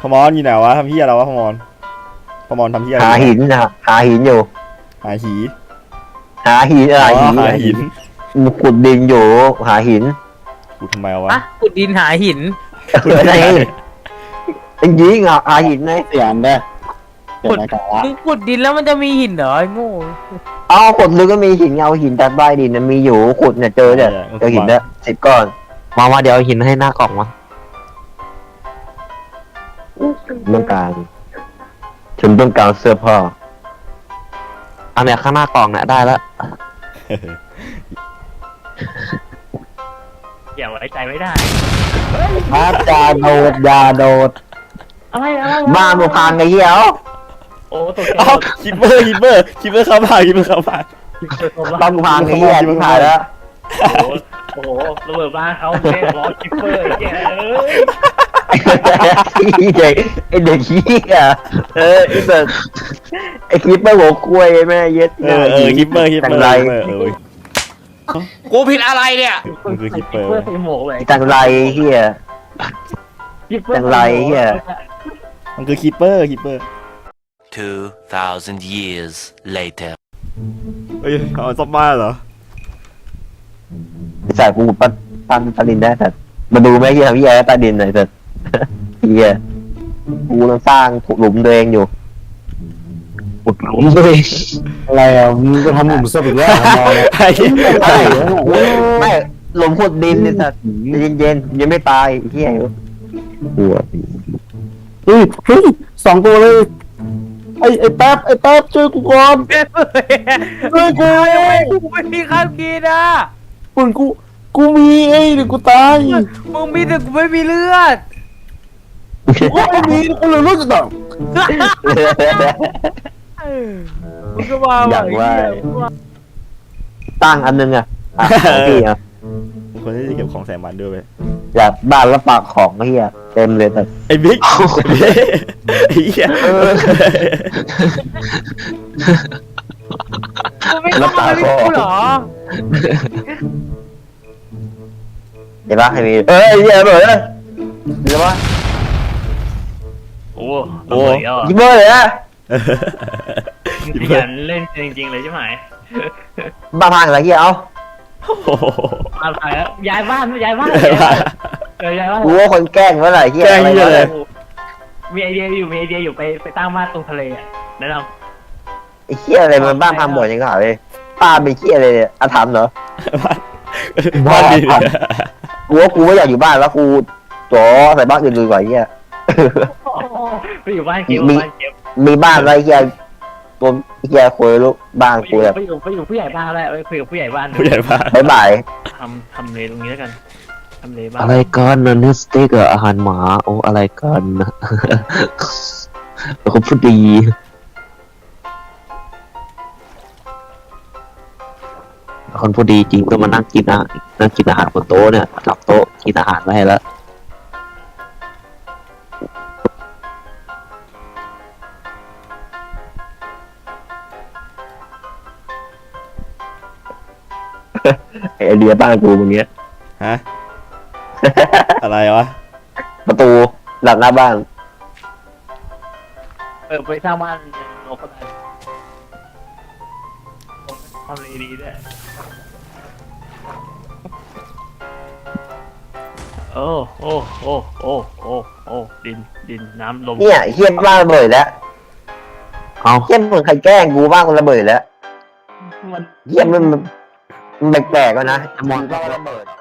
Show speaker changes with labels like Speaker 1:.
Speaker 1: พมรอยู่ไหนวะทำเหี้ยอะไรวะพมรทำเหี้ยอะไร
Speaker 2: หาหินนะหาหินอยู่
Speaker 1: หาหี
Speaker 2: หาหินอะไร
Speaker 1: อ๋อ
Speaker 2: หิน
Speaker 1: หาหิน
Speaker 2: ขุดดินอยู่หาหิน
Speaker 1: กูทำไมวะ
Speaker 3: อะขุดดินหาหิน
Speaker 2: อะไรจริงๆหาหินไง
Speaker 4: เสียงเด้อเสียงอะไรวะ
Speaker 3: มึงขุดดินแล้วมันจะมีหินเหรอไอ้โง่
Speaker 2: เอาขุดลึกก็มีหินเอาหินจากใต้ดินมีอยู่ขุดเนี่ยเจอเนี่ยเจอหินเนี่ย10 ก้อนมาเดี๋ยวหินให้หน้ากล่องมาต้องการฉันต้องการเสื้อผ้าอันเนี้ยข้างหน้ากล่องเนี่ยได้แล้ว
Speaker 3: อย่าไว้ใจไม่ได้
Speaker 2: อาจารย์โดดยาโดด
Speaker 3: อะไร
Speaker 2: บ้านมึงพังไอ้เหี้ย
Speaker 3: โอ้ตกใจ
Speaker 1: เอ้าคิปเปอร์เข้าบ้าน
Speaker 2: บ้านมึงพังไอ้เหี้ยมึงถ่ายแล้ว
Speaker 3: โอ้โหระเบิดบ้านเขาเล่นล้อคิปเปอร์แกเอ้ย
Speaker 2: ไอ้เด็กขี้อ่ะไอ้คลิปเปอร์หัวคุยแม่เย็ด
Speaker 1: คิปเปอร์
Speaker 2: จังไร
Speaker 3: กูผิดอะไรเนี่ย
Speaker 1: มันคือคิปเปอร์
Speaker 3: ใส่หมวกเลย
Speaker 2: จังไรเฮีย จังไรเหี้ย
Speaker 1: มันคือคิปเปอร์
Speaker 5: 2,000 years later.
Speaker 1: เฮ้ยเอาซ่อมบ้านเหรอ
Speaker 2: ใส่กูปั้นใต้ดินได้แต่มาดูไหมเฮียทำเฮียใต้ดินหน่อยเถอะเฮียกูต้องสร้างหลุมตัวเองอยู่ขุดหลุมตัวเอง
Speaker 4: อะไรอ่ะมึงจะทำหลุมศพอีกแล้วมองเลย
Speaker 2: ไม่หลุมขุดดินเนี่ยสัตว์เย็นยังไม่ตายเฮียกลัว
Speaker 4: เฮ้ย2 ตัวเลยไอ้แป๊บช่วยกูก่อนช่วยกู
Speaker 3: กูไม่มีข้าวกินอ่ะ
Speaker 4: ปุ่นกูมีเดี๋ยวกูตาย
Speaker 3: มึงมีแต่กูไม่มีเลือด
Speaker 4: กูไม่มีกูเลยรู้สึกแบบ
Speaker 3: มึงก็ว่า
Speaker 2: อยากว่าตั้งอันนึงอ่ะของพี่อ่ะ
Speaker 1: มึงคนที่จะเก็บของใส่มันด้วยเว้ย
Speaker 2: อยากบ้านแล้วปากของเฮียเต็มเลยแต่
Speaker 1: ไอ้บิ๊กไอ้เหี้ย
Speaker 3: กูไม่เข้ามาไม่กูเหรอ
Speaker 2: เห็นปะให้มีเฮียเบิร์ดเลยเห็นปะ
Speaker 3: โอ้
Speaker 1: โอ้
Speaker 2: ยิงเบอร์เลยนะ
Speaker 3: ขยันเล่นจริงๆเลยใช่ไหม
Speaker 2: บ้าพังอะไรเฮียเอา
Speaker 3: อะไรแล้วย้ายบ้านย้ายบ้านย้ายบ้าน
Speaker 2: กูว่าคนแกล้งเมื่อไหร่เฮีย
Speaker 1: แกล้ง
Speaker 2: อะไร
Speaker 1: เหี้ยเลย
Speaker 3: มีไอเดียอยู่ไปตั้งบ้านตรงทะเลอ่ะแนะน
Speaker 2: ไอ้เฮียอะไรมันบ้านพังบ่อยจังหวะเลยป้าไปเฮียอะไรเนี่ยอาถรรพ์เหรอ
Speaker 1: บ้านดี
Speaker 2: กูว่ากูไม่อยากอยู่บ้านแล้วกูจ๋อใส่บ้านอื่นดีกว่าเฮีย
Speaker 3: ำไปอยู่บ้านเก็บบ้านเก็บ
Speaker 2: มีบ้านอะไรเฮียตัวเฮียคุยลูกบ้านกูแบบ
Speaker 3: ไปอยู่ผู้ใหญ่บ้านแล้วไปคุยกับผู้ใหญ่บ้าน
Speaker 1: ผู้ใหญ่บ้าน
Speaker 2: บ๊ายบาย
Speaker 3: ทำเลตรงนี้แล้วกันทำเลบ้าน
Speaker 2: อะไรกันนะเนื้อสเต็กอะอาหารหมาโอ้อะไรกันนะเขาพูดดีคนพูดดีจริงก็มานั่งกินอาหารบนโต๊ะเนี่ยจับโต๊ะกินอาหารไว้ให้แล้วไอเดียบ้านกูมึงเนี้ย
Speaker 1: ฮะอะไรวะ
Speaker 2: ประตูหลังหน้าบ้าน
Speaker 3: ไปสร้างบ้านโลกก็ได้ทำเลดีด้วยโอ้ดินน้ำลม
Speaker 2: เนี่ยเฮี้ยบ้านระเบิดแล้วเอาเฮี้ยเหมือนใครแกล้งกูบ้านกูระเบิดแล้ว
Speaker 3: มัน
Speaker 2: เฮี้ยมันแปลกๆแล้วนะมอนก็ระเบิด